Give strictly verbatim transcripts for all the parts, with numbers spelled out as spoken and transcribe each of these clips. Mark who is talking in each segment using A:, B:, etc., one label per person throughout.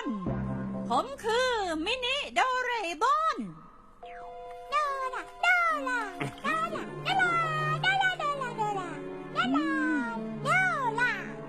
A: ผมคือมินิโดเรมอน
B: โดราโดราโดราโดราโดราโดราโดราโดราโดรา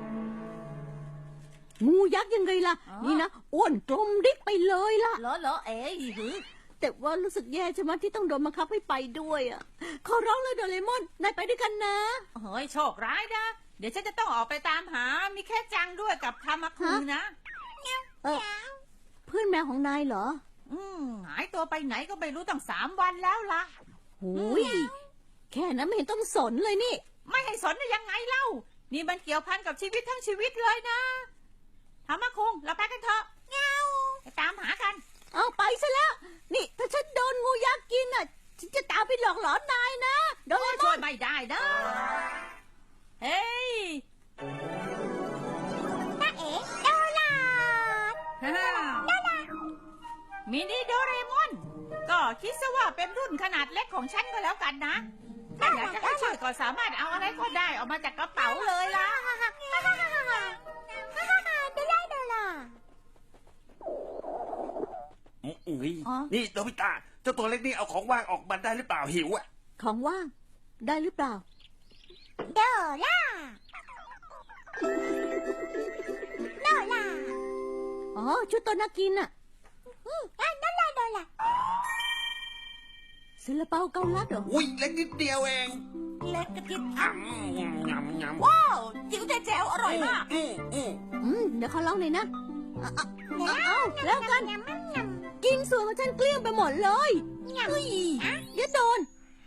C: งูยักษ์ยังไงล่ะ นี่นะอ้วนกลมดิ๊กไปเลยล่ะ
A: เหรอเหรอเอ๋ยหือ
C: แต่ว่ารู้สึกแย่ใช่ไหมที่ต้องโดนบังคับให้ไปด้วยอ่ะขอร้องเลยโดเรมอนนายไปด้วยกันนะ
A: เฮ้ยโชคร้ายนะ เดี๋ยวฉันจะต้องออกไปตามหา มีแค่จังด้วยกับทามาคุนะ
C: เออเพื่อนแมวของนายเหรอ
A: อืมหายตัวไปไหนก็ไม่รู้ตั้งสามวันแล้วล่ะ
C: หูยแค่นั้นไม่เห็นต้องสนเลยนี่
A: ไม่ให้สนได้ยังไงเล่า นี่มันเกี่ยวพันกับชีวิตทั้งชีวิตเลยนะทามาคุงเราไปกันเถอะเงาไปตามหากัน
C: เอาไปซะแล้ว นี่ถ้าฉันโดนงูยักษ์กินอ่ะฉันจะตามไปหลอกหลอนนายนะโดเรม
A: ช่
C: อ
A: วย
C: น
A: ไม่ได้นะเฮ้ย
B: น้าเอ๋โดรา
A: ฮ่ามินิโดเรมอน ก็คิดซะว่าเป็นรุ่นขนาดเล็กของฉันก็แล้วกันนะ ถ้าอยากจะให้ช่วยก็สามารถเอาอะไรก็ได้ออกมาจากกระเป๋าเลยล่ะ
B: โดราโดรา
D: อืมอืมนี่โนบิตะเจ้าตัวเล็กนี่เอาของว่างออกมาได้หรือเปล่าหิวอ่ะ
C: ของว่างได้หรือเปล่า
B: โดราโดรา
C: อ๋อชุดตัวน่ากินอ่ะ
B: อืมโดราโดรา
C: ซาลาเปาเกาลัดเหรอ
D: อุ้ยเล็กนิดเดียวเอง
A: เล็กกระทิบ
D: ยำยำยำยำ
A: ว้าวจิ๋วแจ๋วอร่อยมาก
D: อืมอืม
C: อืมเดี๋ยวเขาลองหน่อยนะเอาเอาเอาแล้วกัน
B: ยำยำยำ
C: กินส่วนของฉันเกลี้ยงไปหมดเลยเฮ้ยอย่าโดน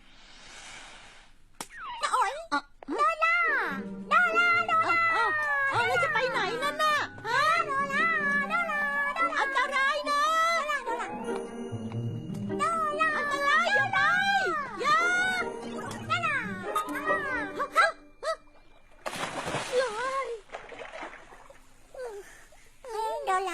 B: น้าโอ๋ย
C: อ่ะ
B: โดราโดราโดรา
C: เอาเอาเอาแล้วจะไปไหนนั่นน่ะฮะ
B: โดราโดราโดรา
C: อันตรายนะ
B: โดราโดรา
C: อันตรายอย่าไปอย่า
B: โดรา
C: ฮะฮะฮะเลย
B: โดรา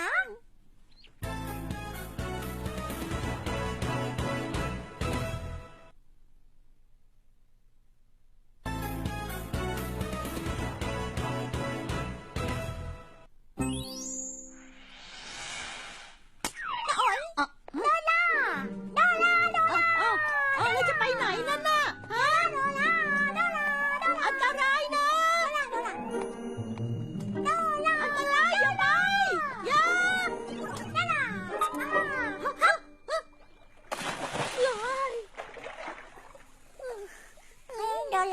C: อ่ะ
B: โดราโดราโดรา
C: เอาเอาเอาแล้วจะไปไหนนั่นน่ะฮะ
B: โดราโดราโดรา
C: อันตรายนะ
B: โดราโดรา
C: อันตรายอย่าไปอย่า
B: โดรา
C: ฮะฮะฮะเลย
B: โดรา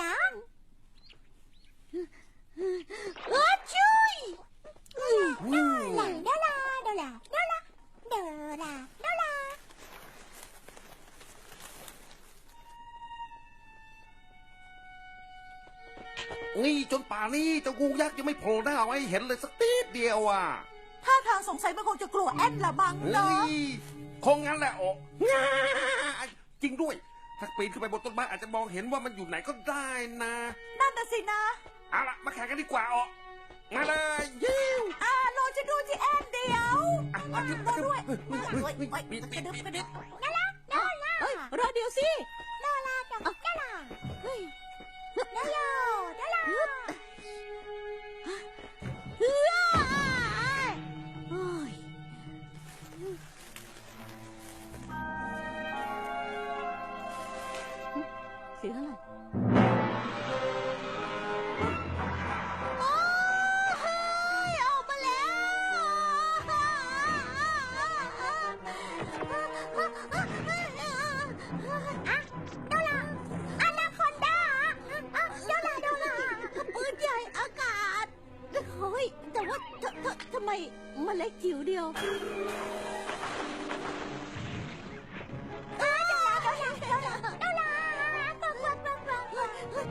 C: เออช่วยเฮ้ย
B: โดราโดราโดราโดราโดราโดรา
D: นี่จนป่านนี้เจ้างูยักษ์ยังไม่โผล่หน้าไว้เห็นเลยสักนิดเดียวอ่ะ
A: ถ้าทางสงสัยมันคงจะกลัวแอนละบัง
D: เฮ้
A: เนาะ
D: ยคงงั้นแหละโอ้จริงด้วย ถ้าปีนขึ้นไปบนต้นไม้อาจจะมองเห็นว่ามันอยู่ไหนก็ได้นะ
A: นั่นน่ะสินะ
D: เอาล่ะมาแข่งกันดีกว่าอ๋อมาเลยยิว
A: อ่ารอจะดูที่แอนเดียว
D: อ่ะมาขึ้นมาด้วยเฮ้ยเฮ้ยเฮ้ยเฮ้ยมี
A: ก
D: มี
A: ระดึบ
D: มี
A: กระดึบ
B: โดราโดรา
C: เฮ้ยรอเดี๋ยวสิ
B: โดราโดราโดรา
C: เฮ้ย
B: โดราโดรา
C: เฮ้ยโอ้ยเสียงอะไรโอ้ยออกมาแล้ว
B: อะโดราอนาคอนดาอะโดราโดรา
C: ปืนใหญ่อากาศเฮ้ยแต่ว่าทททำไมมันเล็กจิ๋วเดียว
B: โดราโดราโดราโดราโดราปังปังปังปังปัง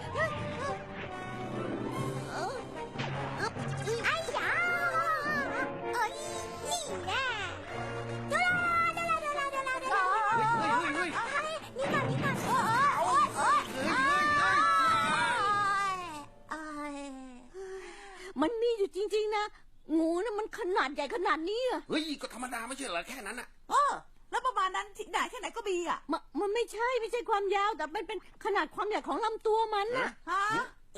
B: ไอ้ยาเอ้ยนี่แน่โดราโดราโดราโดราโดรา
D: เฮ้ยเฮ้ยเฮ้ย
B: นี่ก่อนนี่ก่อนโอ้ยโอ้ยโอ้ยโอ้ย
C: มันมีอยู่จริงๆนะ งูน่ะมันขนาดใหญ่ขนาดนี้อะ
D: เฮ้ยก็ธรรมดาไม่ใช่เหรอแค่นั้นอ่ะ
A: เออแล้วประมาณนั้นที่ไหนที่ไหนก็มีอ่ะ
C: มันมันไม่ใช่ไม่ใช่ความยาวแต่มันเป็นขนาดความใหญ่ของลำตัวมันนะ
A: ฮะ
D: เอ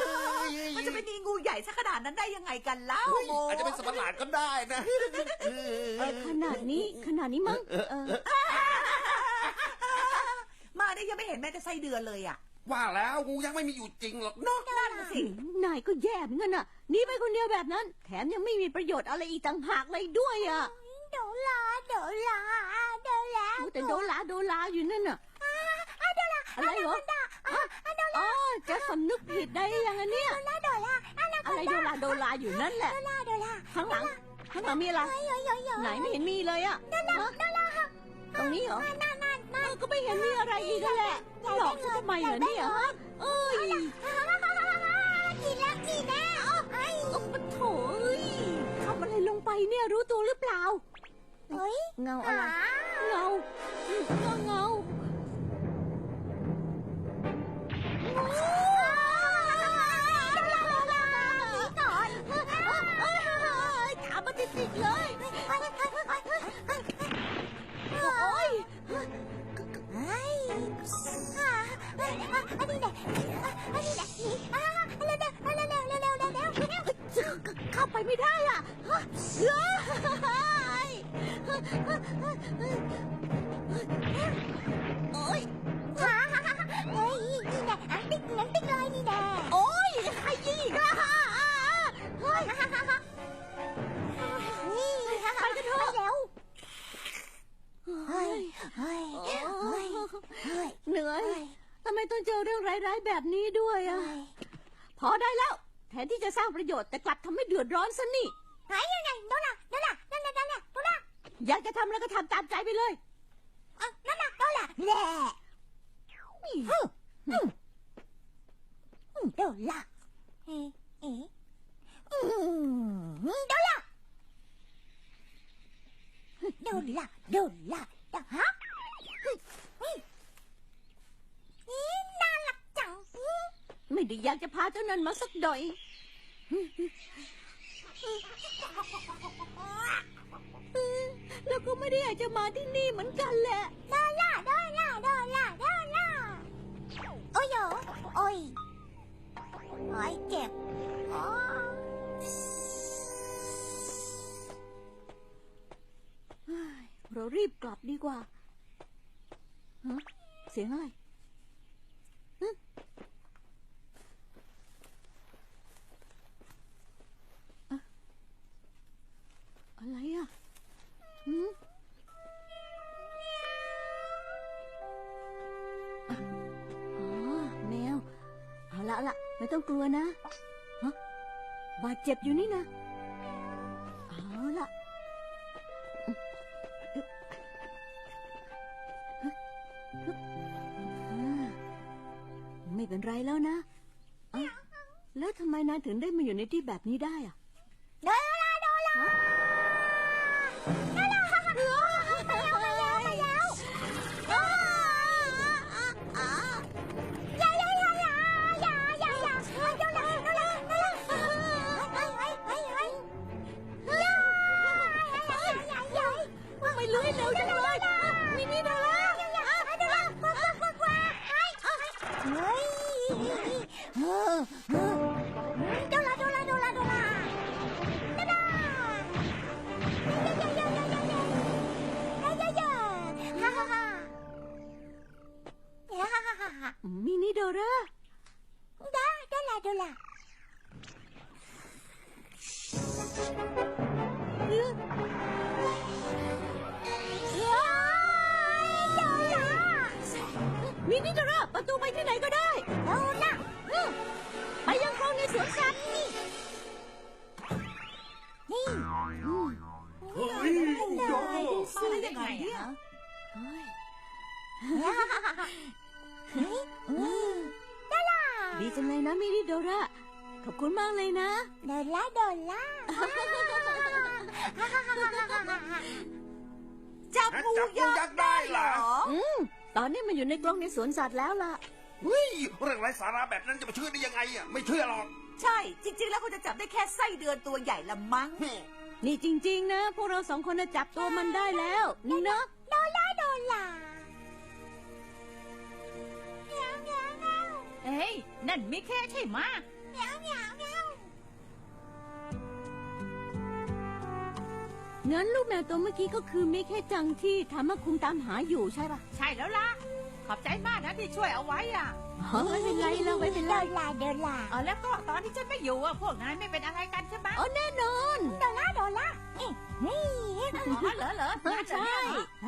D: อ
A: มันจะไปมีงูใหญ่ซะขนาดนั้นได้ยังไงกันเล่า
D: เฮ้ยอาจจะเป็นสัตว์ประหลาดก็ได้นะเออ
C: อขนาดนี้ขนาดนี้มั้งเออ
E: มาได้ยังไม่เห็นแม้แต่ไส้เดือนเลยอ่ะ
D: ว่าแล้วงูยังไม่มีอยู่จริงหรอกเนาะ
E: นั่นสิ
C: นายก็แย่เหมือนกันน่ะหนีไปคนเดียวแบบนั้น แถมยังไม่มีประโยชน์อะไรอีกต่างหากเลยด้วยอ่ะ
B: โดลาโดลาโดลา
C: แต่โดลาโดลาอยู่นั่นน่ะอะไรเหรออ๋อจะสำนึกผิดได้ยังไงเนี่ย
B: โดลาโดลา
C: อะไรโดลาโดลาอยู่นั่นแหละ
B: โดลาโดลา
C: ข้างหลังข้างหลังมีอะไร
B: เฮ้ยเฮ้ยเฮ้ยเฮ้ย
C: ไหนไม่เห็นมีเลยอ่ะฮะตรงนี้เหรอ
B: นั่นนั่นนั่น
C: เออก็ไม่เห็นมีอะไรอีกแล้วแหละหลอกฉันทำไมเหรอเนี่ยฮะเอ้ย
B: กินแล้วกินแล้วไอ้
C: โอ้โถเอ้ยทำอะไรลงไปเนี่ยรู้ตัวหรือเปล่า
B: เฮ้ย
C: เงาอะไร เงาเงาเงาถามมาติดๆเลย โอ้ย
B: เฮ้ยอันนี้แหละอันนี้แหละนี่เร็วเร็วเร็วเร็วเร็วเร็วเร็วเร็ว
C: เข้าไปไม่ได้อ่ะเฮ้ยโอ้ย
B: ฮ่าฮ่าฮ่าเฮ้ยนี่แหละอันติ๊กอันติ๊กเลยนี่แหละ
C: โอ้ยใครยิงอีกอ่ะเฮ้ย
B: ฮ่าฮ่าฮ่าฮ่านี่ฮ่าฮ่าไปเร็วเฮ้ยเฮ้ยเฮ้ยเฮ้ย
C: เหนื่อยทำไมต้องเจอเรื่องร้ายๆแบบนี้ด้วยอ่ะ พอได้แล้ว แทนที่จะสร้างประโยชน์แต่กลับทำให้เดือดร้อนซะนี่
B: ไหนยังไงโดนละโดนละนั่นนั่นนั่นโดนละ
C: อยากจะทำแล้วก็ทำตามใจไปเลย
B: นั่นน่ะโดนละแหละโดนละเอ๊ะเอ๊ะโดนละโดนละโดนละฮะนี่น่ารักจัง
C: ไม่ได้อยากจะพาเจ้านั้นมาสักหน่อย แล้วก็ไม่ได้อยากจะมาที่นี่เหมือนกันแหละ
B: โดนละโดนละโดนละโดนละโอ้ยโอ้ยโอ้ยเจ็บอ๋อ
C: เรารีบกลับดีกว่าฮะเสียงอะไรฮะอะอะไรอ่ะหืมอ๋อแมว เอาละเอาละไม่ต้องกลัวนะฮะบาดเจ็บอยู่นี่นะ เอาละ ไม่เป็นไรแล้วนะเอ้าแล้วทำไมนายถึงได้มาอยู่ในที่แบบนี้ได้อะ
B: โดนละโดนละโดนละมาแล้วมาแล้วมาแล้วอย่าอย่าอย่าอย่าอย่าอย่าอย่าโดนละโดนละโดนละเฮ้ยเฮ้ยเฮ้ยเฮ้ยอย่าอย่าอย่า
C: ว่าไม่รู้ให้เร็วจังเลยมินี่โดนละ
B: เฮ้ยเออเออโดนละโดนละโดนละโดนละโดนละเย้เย้เย้เย้เย้เย้เย้เย้ฮ่าฮ่าฮ่าฮ่าฮ่าฮ่าฮ่า
C: มินี่โดรา
B: ได้โดนละโดนละ
C: เอ้อ
B: เย้โดนละ
C: มินี่โดราประตูไปที่ไหนก็ได้
B: โดนละ
C: เออไปยังคลองในสวนสัตว์นี่
B: นี่
C: อืม
D: เฮ้ยโย
E: มาได้ยังไงเนี่ย
C: เฮ้ย
B: เฮ้ยอืมโดนละ
C: ดีจังเลยนะมินี่โดราขอบคุณมากเลยนะ
B: โดนละโดนละฮ่าฮ่าฮ่าฮ่าฮ่าฮ่าฮ่า
E: จับงูยักษ์ได้เหรอ
C: อืมตอนนี้มันอยู่ในกรงในสวนสัตว์แล้วล่ะ
D: เฮ้ยเรื่องไร้สาระแบบนั้นจะมาเชื่อได้ยังไงอ่ะไม่เชื่อหรอก
E: ใช่ จริง ๆ แล้วเขาจะจับได้แค่ไส้เดือนตัวใหญ่ละมั้ง
C: นี่จริง ๆ นะ พวกเราสองคนน่ะจับตัวมันได้แล้วนี่เนาะ
B: โดนละโดนละเมียวเมียวเมียว
A: เอ้ยนั่นมิเคใช่ไหมะ
B: เมียวเมียวเมียว
C: งั้นลูกแมวตัวเมื่อกี้ก็คือมิแค่จังที่ทามาคุงตามหาอยู่ใช่ปะ
A: ใช่แล้วล่ะ ขอบใจมากนะที่ช่วยเอาไว้อ่ะ
C: อ๋อไม่เป็นไรเราไม่เป็นไร
B: เดินลาเดินลา
A: เออแล้วก็ตอนที่ฉันไม่อยู่อ่ะพวกนายไม่เป็นอะไรกันใช่ไหม
C: อ๋อแน่นอน
B: เดินลาเดินลานี่นี่
A: อ๋อเหรอเหรอ
C: เออใช่
B: เอ